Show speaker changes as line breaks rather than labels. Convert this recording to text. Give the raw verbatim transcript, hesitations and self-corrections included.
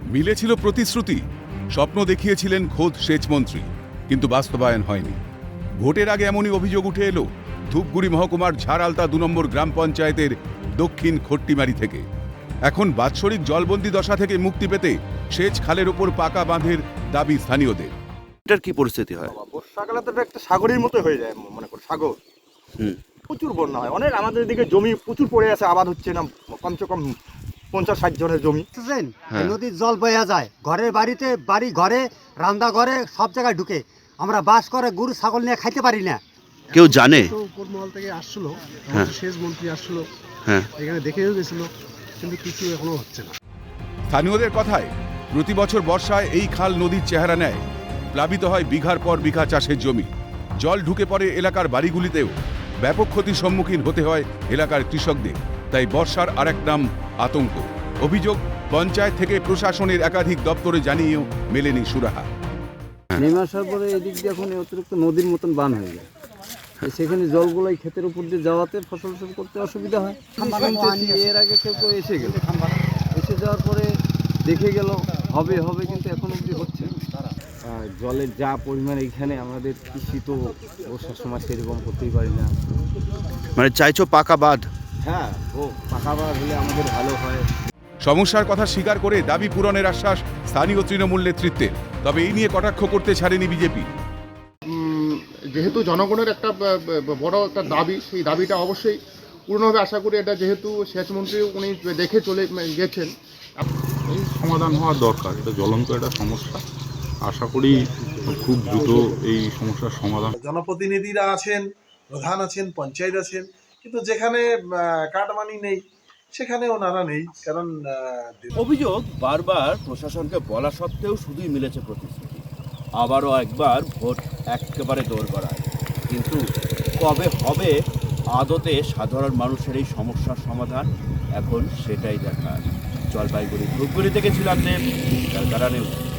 মিলেছিল প্রতিশ্রুতি, স্বপ্ন দেখিয়েছিলেন খোদ সেচমন্ত্রী, কিন্তু বাস্তবায়ন হয়নি। ভোটের আগে এমনই অভিযোগ উঠে এলো ধূপগুড়ি মহকুমার ঝাড়ালতা দু নম্বর গ্রাম পঞ্চায়েতের দক্ষিণ খট্টিমারি থেকে। এখন বাৎসরিক জলবন্দি দশা থেকে মুক্তি পেতে সেচ খালের ওপর পাকা বাঁধের দাবি স্থানীয়দের।
এটার কি পরিস্থিতি হয়?
বর্ষাকালে তো একটা সাগরের মতো হয়ে যায়, মনে করো সাগর।
হুম।
প্রচুর বন্যা হয়, অনেক আমাদের দিকে জমি প্রচুর পড়ে আছে, আবাদ হচ্ছে না, কমসে কম পঞ্চাশ ষাট জনের জমি।
হ্যাঁ।
নদীর জল বয়া যায় ঘরের বাড়িতে, বাড়ি ঘরে, রান্না ঘরে, সব জায়গায় ঢুকে। আমরা বাস করে গরু ছাগল নিয়ে খাইতে পারি না।
কেউ জানে?
তো উপর মহল থেকে আসছিল,
হ্যাঁ।
সেচ মন্ত্রী আসছিল,
হ্যাঁ।
এখানে দেখেও গেছিল, কিন্তু কিছু এখনো হচ্ছে না।
স্থানীয়দের কথায় প্রতি বছর বর্ষায় এই খাল নদীর চেহারা নেয়, প্লাবিত হয় বিঘার পর বিঘা চাষের জমি, জল ঢুকে পড়ে এলাকার বাড়িগুলিতেও, ব্যাপক ক্ষতির সম্মুখীন হতে হয় এলাকার কৃষকদের। তাই বর্ষার আরেক নাম আতঙ্ক। অভিযোগ, পঞ্চায়েত থেকে প্রশাসনের একাধিক দপ্তরে জানিয়েও মেলেনি সুরাহা।
নেমে আসার পরে এদিক দিয়ে এখন অতিরিক্ত নদীর মতন বান হয়ে যায়, সেখানে জলগুলোই ক্ষেতের উপর দিয়ে যাওয়াতে ফসল ফসল করতে অসুবিধা হয়। শুনতেছি এর আগে কেউ কেউ এসে গেল, এসে যাওয়ার পরে দেখে গেল হবে হবে, কিন্তু এখন অবধি হচ্ছে না। আর জলের যা পরিমাণ এখানে, আমাদের কৃষি তো বর্ষার সময় সেরকম করতেই পারি না।
মানে চাইছো পাকা বাঁধ?
হ্যাঁ, ও পাকা বাঁধ হলে আমাদের ভালো হয়।
সমস্যার কথা স্বীকার করে দাবি পূরণের আশ্বাস স্থানীয় তৃণমূল নেতৃত্বের। তবে এই নিয়ে কটাক্ষ করতে ছাড়েনি বিজেপি।
যেহেতু জনগণের একটা বড় একটা দাবি, সেই দাবিটা অবশ্যই পূর্ণ হবে আশা করি। এটা যেহেতু সেচমন্ত্রী উনি দেখে চলে গেছেন,
এই সমাধান হওয়ার দরকার। এটা জ্বলন্ত একটা সমস্যা, আশা করি খুব দ্রুত এই সমস্যার সমাধান।
জনপ্রতিনিধিরা আছেন, প্রধান আছেন, পঞ্চায়েত আছেন, কিন্তু যেখানে কাটমানি নেই সেখানে ওনারা নেই। কারণ
অভিযোগ, বারবার প্রশাসনকে বলা সত্ত্বেও শুধুই মিলেছে প্রতিশ্রুতি। আবারও একবার ভোট একেবারে দৌড় করায়, কিন্তু কবে হবে আদতে সাধারণ মানুষের এই সমস্যার সমাধান, এখন সেটাই দেখার। জলপাইগুড়ি ধূপগুড়ি থেকে ছিলাম দেব, ক্যালকাটা নিউজ।